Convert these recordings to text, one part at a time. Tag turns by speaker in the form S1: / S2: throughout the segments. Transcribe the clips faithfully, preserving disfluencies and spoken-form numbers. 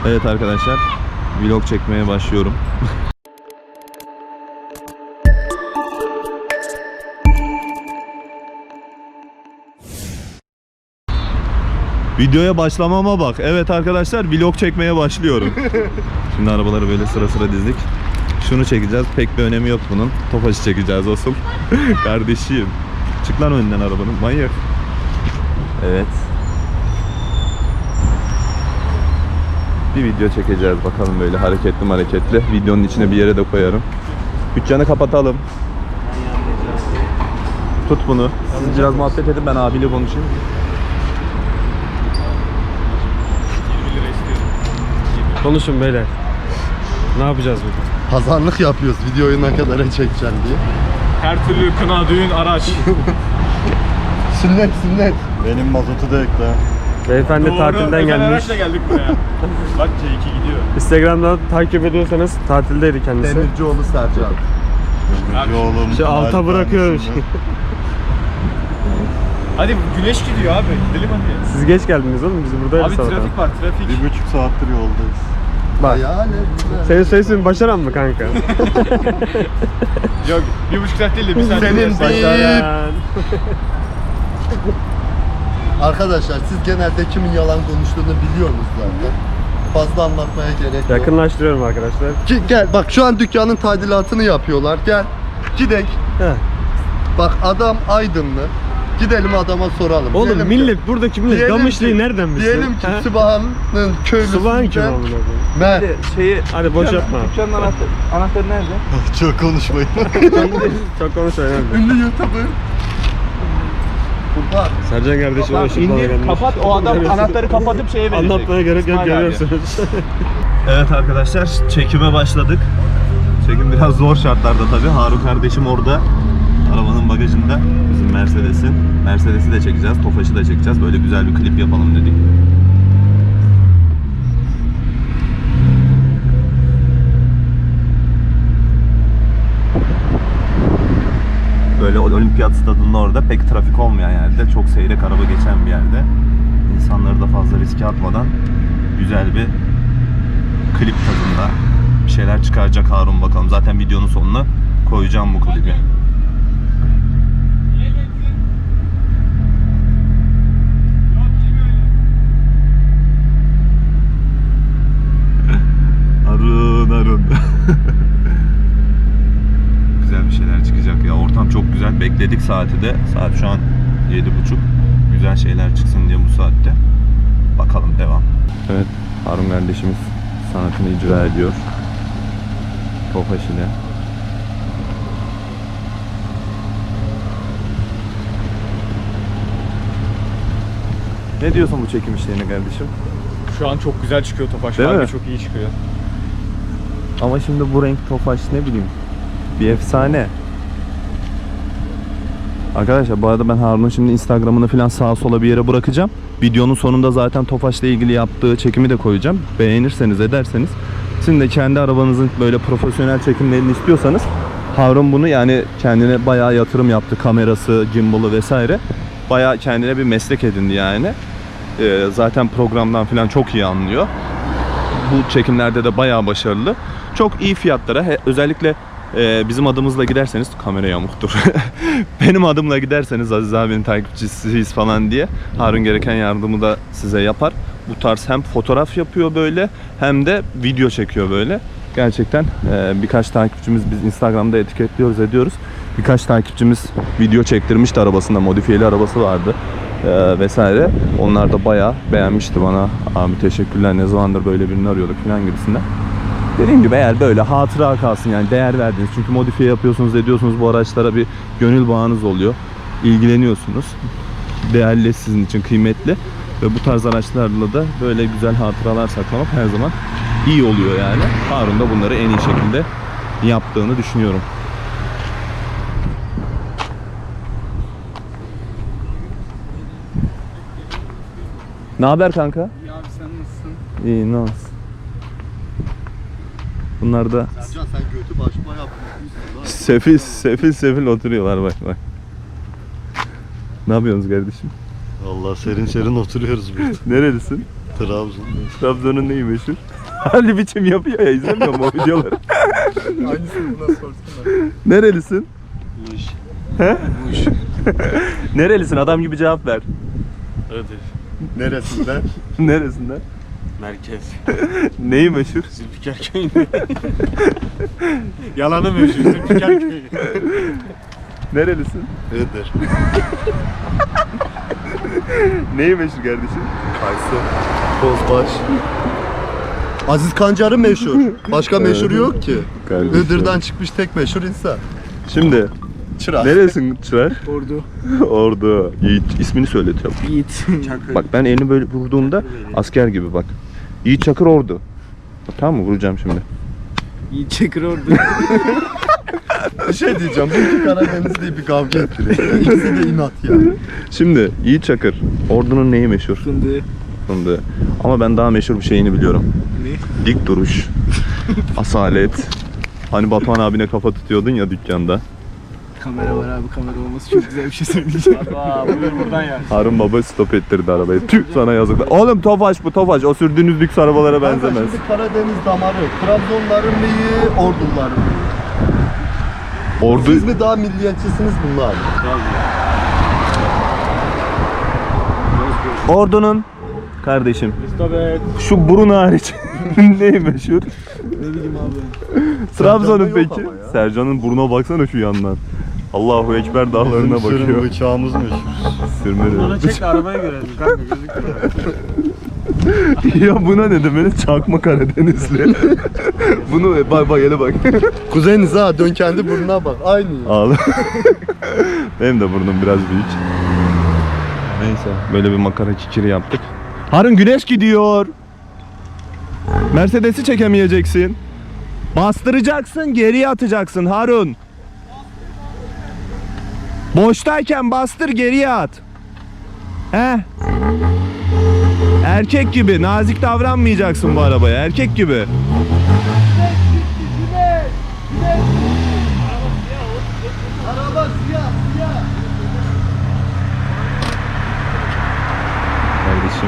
S1: Evet arkadaşlar, vlog çekmeye başlıyorum. Videoya başlamama bak. Evet arkadaşlar, vlog çekmeye başlıyorum. Şimdi arabaları böyle sıra sıra dizdik. Şunu çekeceğiz. Pek bir önemi yok bunun. Tofaş'ı çekeceğiz asıl. Kardeşim. Çık lan önden arabanın. Manyak. Evet. Bir video çekeceğiz bakalım böyle hareketli hareketli. Videonun içine bir yere de koyarım. Dükkanı kapatalım. Tut bunu. Siz biraz muhabbet edin, ben abiyle konuşayım.
S2: Konuşun beyler. Ne yapacağız burada?
S3: Pazarlık yapıyoruz videoyu ne kadara çekeceğim diye.
S2: Her türlü kına, düğün, araç.
S3: Sünnet sünnet. Benim mazotu da ekle.
S2: Beyefendi
S4: Doğru,
S2: tatilden gelmiş.
S4: araçla geldik buraya. Bak C iki gidiyor.
S2: Instagram'dan takip ediyorsanız tatildeydi kendisi.
S3: Demircioğlu Sercan.
S4: Demircioğlu.
S2: Şu alta bırakıyormuş.
S4: Hadi güneş gidiyor abi. Gidelim hadi.
S2: Siz geç geldiniz oğlum, biz buradayız.
S4: Abi
S2: sabahtan.
S4: trafik var, trafik.
S3: Bir buçuk saattir yoldayız.
S2: Bak.
S3: Yani güzel.
S2: Senin soyisin Başaran mı kanka?
S4: Yok, bir buçuk saat değil de bir saat.
S3: Senin
S4: değil.
S2: Başaran.
S3: Arkadaşlar siz genelde kimin yalan konuştuğunu biliyorsunuz zaten. Fazla anlatmaya gerek yok.
S2: Yakınlaştırıyorum arkadaşlar.
S3: Ki, gel bak şu an dükkanın tadilatını yapıyorlar. Gel gidek.
S2: Heh.
S3: Bak adam Aydınlı. Gidelim adama soralım.
S2: Oğlum
S3: Diyelim
S2: millet
S3: ki,
S2: buradaki millet
S3: diyelim
S2: Gamışlı'yı
S3: ki-
S2: nereden bilsin?
S3: Diyelim ki
S2: Ha?
S3: Sübhan'ın köylüsünden.
S2: Subhan kim amına koyayım?
S3: Ben.
S1: Şeyi,
S2: Hadi boş yapma.
S1: dükkanın anahtarı, anahtarı nerede?
S3: Çok konuşmayın.
S2: Çok konuşma önemli.
S3: Ünlü YouTuber. Kurban.
S2: Sercan kardeşim o ışık bana
S4: İndir,
S2: gelmiş.
S4: kapat. O adam anahtarı kapatıp şeye verecek.
S2: Anlatmaya gerek yok,
S4: İsmail abi.
S2: görüyorsunuz.
S1: Evet arkadaşlar, çekime başladık. Çekim biraz zor şartlarda tabii. Harun kardeşim orada. Arabanın bagajında bizim Mercedes'in. Mercedes'i de çekeceğiz, Tofaş'ı da çekeceğiz. Böyle güzel bir klip yapalım dedik. Böyle olimpiyat stadının orada pek trafik olmayan yerde, çok seyrek araba geçen bir yerde. İnsanları da fazla riske atmadan güzel bir klip tadında bir şeyler çıkaracak Harun bakalım. Zaten videonun sonuna koyacağım bu klibi. Harun, Harun. Güzel bir şeyler çıkacak ya. Ortam çok güzel. Bekledik saati de. Saat şu an yedi buçuk. Güzel şeyler çıksın diye bu saatte. Bakalım, devam. Evet, Harun kardeşimiz sanatını icra ediyor. Tofaş ile. Ne diyorsun bu çekim işlerine kardeşim?
S4: Şu an çok güzel çıkıyor Tofaş.
S1: Değil
S4: Harbi
S1: mi?
S4: çok iyi çıkıyor.
S1: Ama şimdi bu renk Tofaş ne bileyim bir efsane. Arkadaşlar bu arada ben Harun'un şimdi Instagram'ını falan sağa sola bir yere bırakacağım. Videonun sonunda zaten Tofaş'la ilgili yaptığı çekimi de koyacağım. Beğenirseniz ederseniz. Sizin de kendi arabanızın böyle profesyonel çekimlerini istiyorsanız Harun bunu yani kendine bayağı yatırım yaptı. Kamerası, gimbal'ı vesaire. Bayağı kendine bir meslek edindi yani. Ee, zaten programdan falan çok iyi anlıyor. Bu çekimlerde de bayağı başarılı. Çok iyi fiyatlara, he, özellikle e, bizim adımızla giderseniz, kamera yamuktur. Benim adımla giderseniz Aziz abinin takipçisiyiz falan diye Harun gereken yardımı da size yapar. Bu tarz hem fotoğraf yapıyor böyle hem de video çekiyor böyle. Gerçekten e, birkaç takipçimiz biz Instagram'da etiketliyoruz ediyoruz. Birkaç takipçimiz video çektirmişti arabasında, modifiyeli arabası vardı. Ee, vesaire. Onlar da bayağı beğenmişti bana. Abi teşekkürler, ne zamandır böyle birini arıyorduk falan gibisinden. Dediğim gibi eğer böyle hatıra kalsın yani değer verdiniz. Çünkü modifiye yapıyorsunuz, ediyorsunuz, bu araçlara bir gönül bağınız oluyor. İlgileniyorsunuz. Değerli, sizin için kıymetli. Ve bu tarz araçlarla da böyle güzel hatıralar saklamak her zaman iyi oluyor yani. Harun da bunları en iyi şekilde yaptığını düşünüyorum. Ne haber kanka?
S4: İyi abi, sen nasılsın?
S1: İyi, ne olsun. Bunlar da
S3: Sercan sen götü başma yapmışsın lan.
S1: sefil sefil sefil oturuyorlar, bak bak. Ne yapıyorsunuz kardeşim?
S3: Vallahi serin serin oturuyoruz burada.
S1: Nerelisin?
S3: Trabzon.
S1: Trabzon'un neyi meşhur? Ali biçim yapıyor ya, izlemiyor mu o videoları?
S3: Aynısını buna sorsana.
S1: Nerelisin?
S2: Muş.
S1: He?
S2: Muş.
S1: Nerelisin? Adam gibi cevap ver.
S2: Iğdır.
S3: Neresinden?
S1: Neresinden?
S2: Merkez.
S1: Neyi meşhur?
S2: Zülfikar köyünde. Yalanı meşhur. Zülfikar köyü.
S1: Nerelisin?
S3: Iğdır.
S1: Neyi meşhur kardeşim?
S3: Kaysı. Bozbaş. Aziz Kancar'ı meşhur. Başka meşhur yok ki.
S1: Kardeşim.
S3: Iğdır'dan çıkmış tek meşhur insan.
S1: Şimdi
S3: Çırak.
S1: neresin Çırar?
S4: Ordu.
S1: Ordu. Yiğit. İsmini söyletiyorum.
S4: Yiğit.
S1: Bak ben elini böyle vurduğumda asker gibi bak. Yiğit Çakır Ordu. Bak, tamam mı? Vuracağım şimdi.
S4: Yiğit Çakır Ordu.
S3: Bir şey diyeceğim. Bu iki Karadeniz diye bir kavga ettiriyor. İkisi de inat ya.
S1: Şimdi Yiğit Çakır. Ordu'nun neyi meşhur?
S4: Fındığı.
S1: Fındığı. Ama ben daha meşhur bir şeyini biliyorum.
S4: Ne?
S1: Dik duruş. Asalet. Hani Batuhan abine kafa tutuyordun ya dükkanda.
S4: Kamera var abi, kamera olması çok güzel bir şey söyleyeceğim. Aa, buyur buradan ya.
S1: Harun baba stop ettirdi arabayı. Tüh sana yazıklar. Oğlum Tofaş bu Tofaş. O sürdüğünüz lüks arabalara benzemez.
S3: Şimdi Karadeniz damarı. Trabzonların neyi? Orduların neyi?
S1: Ordu...
S3: Siz mi daha milliyetçisiniz bunlar?
S1: Ordu'nun kardeşim.
S2: Stop et.
S1: Şu burun hariç neyi meşhur?
S4: Ne bileyim abi.
S1: Trabzon'un
S3: Sercan'da yok
S1: peki.
S3: ama ya.
S1: Sercan'ın burnuna baksana şu yandan. Allahu Ekber dağlarına bakıyor.
S3: bıçağımız meşhur.
S1: Sürmeli.
S2: Bana çek de arabayı görelim kanka, gözükmüyor.
S1: Ya buna ne demeli? Çakma Karadenizli. Bunu bak bak hele bak.
S3: Kuzeniz ha, dön kendi burnuna bak. Aynı ya.
S1: Ağla. Benim de burnum biraz büyük. Neyse böyle bir makara kikiri yaptık. Harun güneş gidiyor. Mercedes'i çekemeyeceksin. Bastıracaksın, geriye atacaksın Harun. Boştayken bastır, geriye at. He? Erkek gibi nazik davranmayacaksın bu arabaya, erkek gibi.
S3: Araba siyah siyah.
S1: Kardeşim.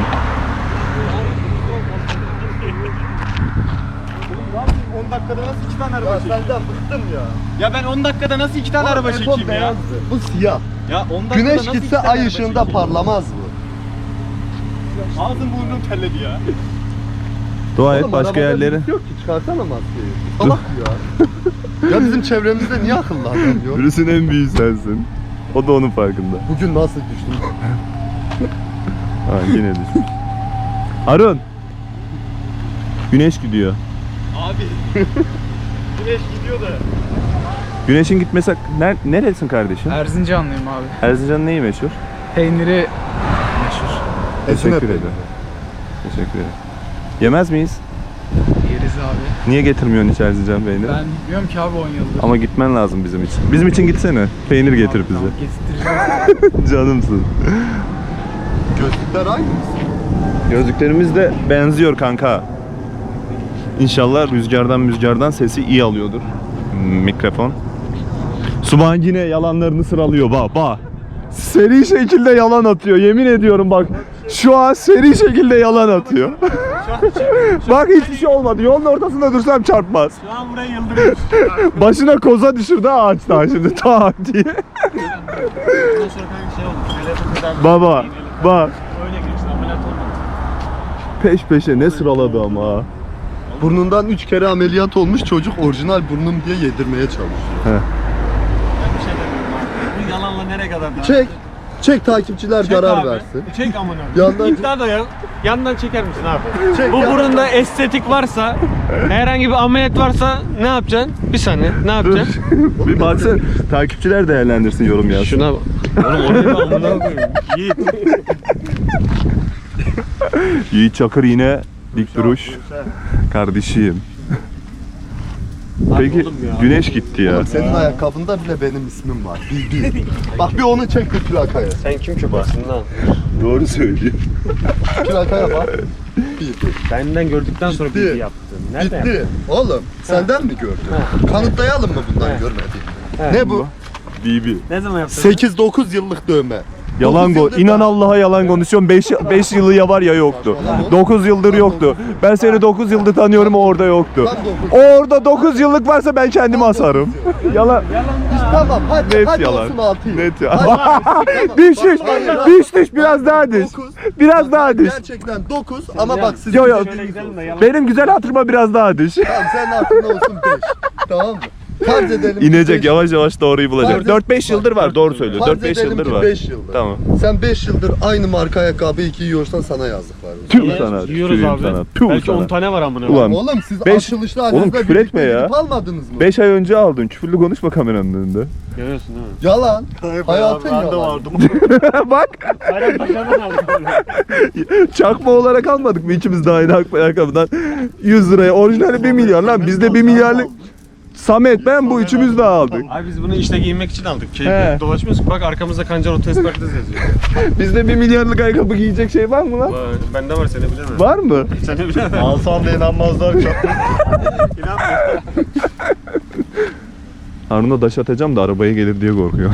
S4: on dakikada nasıl iki tane araba
S3: Ya
S4: çekeyim?
S3: senden bıktım ya.
S4: Ya ben on dakikada nasıl iki tane araba
S3: Apple
S4: çekeyim ya?
S3: beyazdı. Bu siyah.
S4: Ya on dakikada
S3: Güneş
S4: nasıl iki
S3: gitse
S4: tane
S3: ay
S4: araba
S3: ışığında
S4: çekeyim?
S3: parlamaz bu.
S4: Ağzım burnum terledi ya.
S1: Dua et
S3: Oğlum,
S1: başka
S3: arabada
S1: yerleri.
S3: birisi yok ki, çıkarsana maskeyi. Salak ya. Ya bizim çevremizde niye akıllı adam yok?
S1: Virüsün en büyüğü sensin. O da onun farkında.
S3: Bugün nasıl düştüm?
S1: Ha yine düşmüş. Harun. Güneş gidiyor.
S4: Abi. Güneş gidiyor da.
S1: Güneşin gitmesi... Ner neresin kardeşim?
S4: Erzincanlıyım abi.
S1: Erzincan'ın neyi meşhur?
S4: Peyniri meşhur.
S3: Ezine
S1: Teşekkür
S3: peyniri.
S1: ederim. Teşekkür ederim. Yemez miyiz?
S4: Yeriz abi.
S1: Niye getirmiyorsun hiç Erzincan peyniri?
S4: Ben bilmiyorum ki abi on yıldır.
S1: Ama gitmen lazım bizim için. Bizim için gitsene. Peynir getir
S4: Abi,
S1: bize.
S4: tamam, getireceğiz.
S1: Canımsın.
S3: Gözlükler aynı mı?
S1: Gözlüklerimiz de benziyor kanka. İnşallah rüzgardan rüzgardan sesi iyi alıyordur. Mikrofon. Suban yine yalanlarını sıralıyor bak bak. Seri şekilde yalan atıyor yemin ediyorum bak. Şu an seri şekilde yalan atıyor. Bak hiçbir şey olmadı. Yolun ortasında dursam çarpmaz.
S2: Şu an buraya yıldırıyor.
S1: Başına koza düşürdü ağaçtan şimdi tak diye.
S2: Bundan sonra kanka şey oldu. Ameliyata kadar.
S1: Baba bak
S2: Öyle geçti, ameliyat olmadı.
S1: peş peşe ne sıraladı ama ha.
S3: Burnundan üç kere ameliyat olmuş çocuk orijinal burnum diye yedirmeye çalışıyor.
S1: He.
S2: Ben bir şey demiyorum abi. Bu yalanla nereye kadar daha?
S3: Çek. Çek takipçiler
S2: Çek
S3: karar
S2: abi.
S3: versin.
S2: Çek amına.
S3: Yandan-
S2: İddia da ya. Yandan çeker misin abi?
S3: Çek
S2: Bu
S3: ya.
S2: burunda estetik varsa, herhangi bir ameliyat varsa ne yapacaksın? Bir saniye, ne yapacaksın?
S1: Bir baksana takipçiler değerlendirsin yorum yazsın.
S2: Şuna bak. Oğlum oraya amına koyayım. Yiğit.
S1: Yiğit Çakır yine dik duruş. Kardeşim. Peki
S2: oğlum ya.
S1: güneş gitti ya.
S3: Senin ayakkabında bile benim ismim var. Bil bil. Bak bir onu çek bir plakaya.
S2: Sen kim ki basın lan?
S1: Doğru söylüyor.
S3: Plakaya bak. Bil bil.
S2: Benden gördükten sonra
S3: Ciddi.
S2: bilgi yaptın. Nerede yaptın?
S3: Ciddi. Oğlum senden mi gördün? Kanıtlayalım mı bundan
S2: He.
S3: görmediğini?
S2: He.
S3: Ne bu?
S1: Bibi.
S2: Ne zaman yaptın?
S3: sekiz dokuz yıllık dövme.
S1: Yalan
S3: Dokuz
S1: go.
S3: yıldır
S1: İnan
S3: da-
S1: Allah'a yalan konuşuyorum. beş yılı ya var ya yoktu. dokuz yıldır yoktu. Ben seni dokuz yıldır tanıyorum, o orada yoktu.
S3: Tam dokuz.
S1: O orada dokuz yıllık varsa ben kendimi asarım. Yalan.
S3: Tamam hadi
S1: Net
S3: hadi
S1: yalan.
S3: olsun altı yıl.
S1: Net ya.
S3: Hadi,
S1: Diş
S3: tamam.
S1: diş.
S3: Bak, hayır,
S1: Diş diş biraz daha diş.
S3: dokuz.
S1: Biraz daha diş.
S3: Gerçekten dokuz ama bak siz
S1: Yo yo.
S3: dediğiniz olsun.
S1: Benim güzel hatırıma biraz daha diş.
S3: Tamam senin aklında olsun beş. Tamam mı? Farz edelim. ki
S1: İnecek
S3: beş-
S1: yavaş yavaş doğruyu bulacak.
S3: Farz et-
S1: dört beş yıldır var, doğru söylüyor.
S3: Farz
S1: dört beş
S3: edelim
S1: yıldır
S3: ki
S1: var.
S3: beş yıldır.
S1: Tamam.
S3: Sen beş yıldır aynı marka ayakkabı iki yiyorsan sana yazık var.
S1: Tüh sana.
S2: Yiyoruz
S1: tüh
S2: abi.
S1: sana, tüh
S2: Belki
S1: sana.
S2: on tane var amına.
S1: Ulan
S3: Oğlum siz
S1: beş-
S3: açılışta
S1: Oğlum
S3: halinizde
S1: küfür
S3: birlikte
S1: etme ya.
S3: gidip almadınız mı?
S1: beş ay önce aldın. Küfürlü konuşma kameranın önünde.
S2: Görüyorsun değil mi?
S3: Yalan. Hayatın yalan.
S1: Bak
S2: Aynen başarıdan aldım.
S1: çakma olarak almadık mı ikimiz de aynı ayakkabıdan yüz liraya, orijinali bir milyar lan, bizde bir milyarlık. Samet ben bu üçümüz de aldık.
S2: Abi biz bunu işte giyinmek için aldık.
S1: He.
S2: Keyifle dolaşmıyoruz ki. Bak arkamızda Kancar Otoespark'ta yazıyor.
S1: Bizde bir milyarlık ayakkabı giyecek şey var mı lan?
S2: Vay, bende var, seni bilemem.
S1: Var mı?
S2: Seni bilemem.
S3: Alsam da inanmazlar.
S2: İnanmıyorum.
S1: Harun'a daş atacağım da arabaya gelir diye korkuyor.